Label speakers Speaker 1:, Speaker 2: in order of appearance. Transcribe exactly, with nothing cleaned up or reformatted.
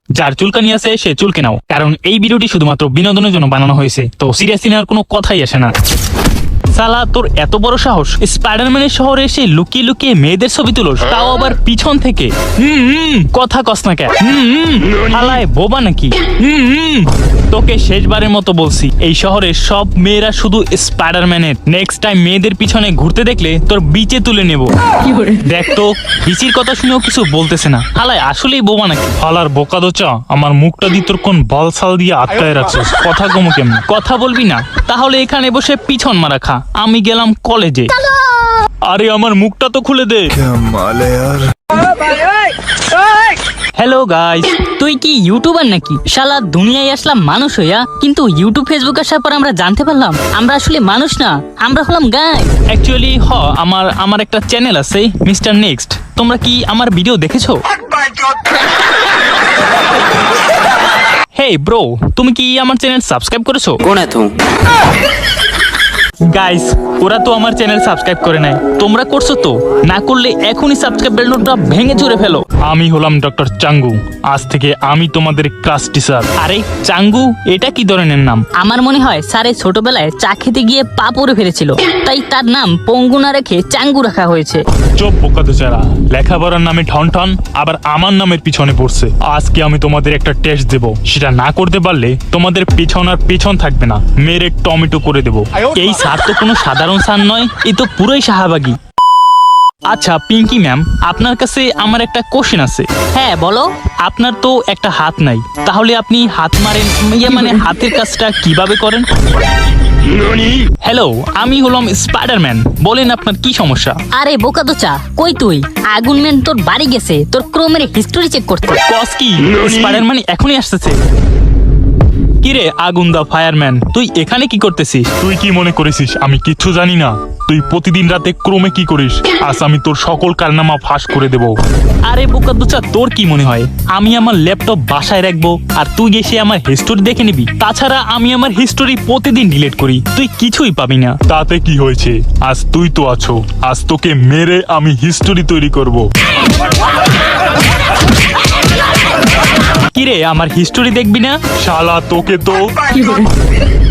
Speaker 1: যার চুলকানি আছে সে চুলকে নাও, কারণ এই ভিডিওটি শুধুমাত্র বিনোদনের জন্য বানানো হয়েছে, তো সিরিয়াসলি নেওয়ার কোনো কথাই আসে না। সালা তোর এত বড় সাহস, স্পাইডারম্যানের শহরে এসে লুকিয়ে লুকিয়ে মেয়েদের ছবি তুলোস, তাও আবার পিছন থেকে। হুম হুম কথা কস না কেন? হুম হুম হালায় বোবা নাকি? হুম হুম তোকে শেষবারের মতো বলছি, এই শহরের সব মেয়েরা শুধু স্পাইডারম্যানের। নেক্সট টাইম মেয়েদের পিছনে ঘুরতে দেখলে তোর বিচে তুলে নেব। দেখ তো বিচির কথা শুনেও কিছু বলতেছে না, হালায় আসলেই বোবা নাকি? হালার বোকা দোচা, আমার মুখটা দিয়ে তোর কোন বলসাল দিয়ে আটকায় রাখছিস, কথা কমু কেমন? কথা বলবি না তাহলে এখানে বসে পিছন মারা খা, আমি গেলাম কলেজে। আরে আমার মুখটা তো খুলে দে।
Speaker 2: হ্যালো গাইস, তুই কি ইউটিউবার নাকি? শালা দুনিয়ায় আসলাম মানুষ হইয়া, কিন্তু ইউটিউব ফেসবুক আসার পর আমরা জানতে পারলাম আমরা আসলে মানুষ না, আমরা হলাম গাই।
Speaker 1: অ্যাকচুয়ালি হ আমার আমার একটা চ্যানেল আছে মিস্টার নেক্সট, তোমরা কি আমার ভিডিও দেখেছো? হেই ব্রো, তুমি কি আমার চ্যানেল সাবস্ক্রাইব করেছো?
Speaker 3: कौन है तू?
Speaker 1: গাইস ওরা তো আমার চ্যানেল সাবস্ক্রাইব করে নাই, তোমরা করছো তো? না করলে এখনই সাবস্ক্রাইব বাটনটা ভেঙে চুরে ফেলো। আমি হলাম ডক্টর চাঙ্গু, আজ থেকে আমি তোমাদের ক্লাস টিচার। আরে চাঙ্গু এটা কি ধরনের নাম?
Speaker 2: আমার মনে হয় স্যারে ছোটবেলায় চা খেতে গিয়ে পা পড়ে ফেলেছিল, তাই তার নাম পঙ্গু না রেখে চাঙ্গু রাখা হয়েছে।
Speaker 1: চোপ বোকা বেচারা, লেখাপড়ার নামে ঠন ঠন আবার আমার নামের পিছনে পড়ছে। আজকে আমি তোমাদের একটা টেস্ট দেব, সেটা না করতে পারলে তোমাদের পিছন আর পিছন থাকবে না, মেরে টমেটো করে দেব। এই স্যার তো কোনো সাধারণ স্যার নয়, এই তো পুরোই শাহবাগী। আচ্ছা পিঙ্কি ম্যাম, আপনার কাছে আমার একটা কোশ্চেন আছে।
Speaker 2: হ্যাঁ বলো।
Speaker 1: আপনার তো একটা হাত নাই, তাহলে আপনি হাত মারেন, ইয়ে মানে হাতের কাজটা কিভাবে করেন? হ্যালো, আমি হলাম স্পাইডারম্যান, বলেন আপনার কি সমস্যা?
Speaker 2: আরে বোকা দোচা, কই তুই? আগুন ম্যান তোর বাড়ি গেছে তোর ক্রোমের হিস্টোরি চেক করতে।
Speaker 1: কস কি? স্পাইডারম্যান এখনই আসতেছে। কিরে আগুন দা ফায়ারম্যান, তুই এখানে কি করতেছিস? তুই কি মনে করেছিস আমি কিচ্ছু জানি না? তুই প্রতিদিন রাতে ক্রমে কি করিস? আজ আমি তোর সকল কারনামা ফাঁস করে দেব। আরে বোকা দুচা, তোর কি মনে হয় আমি আমার ল্যাপটপ বাসায় রাখবো আর তুই এসে আমার হিস্টোরি দেখে নিবি? তাছাড়া আমি আমার হিস্টোরি প্রতিদিন ডিলিট করি, তুই কিছুই পাবি না। তাতে কি হয়েছে? আজ তুই তো আছো, আজ তোকে মেরে আমি হিস্টোরি তৈরি করব। কিরে আমার হিস্টোরি দেখবি না? শালা তোকে তো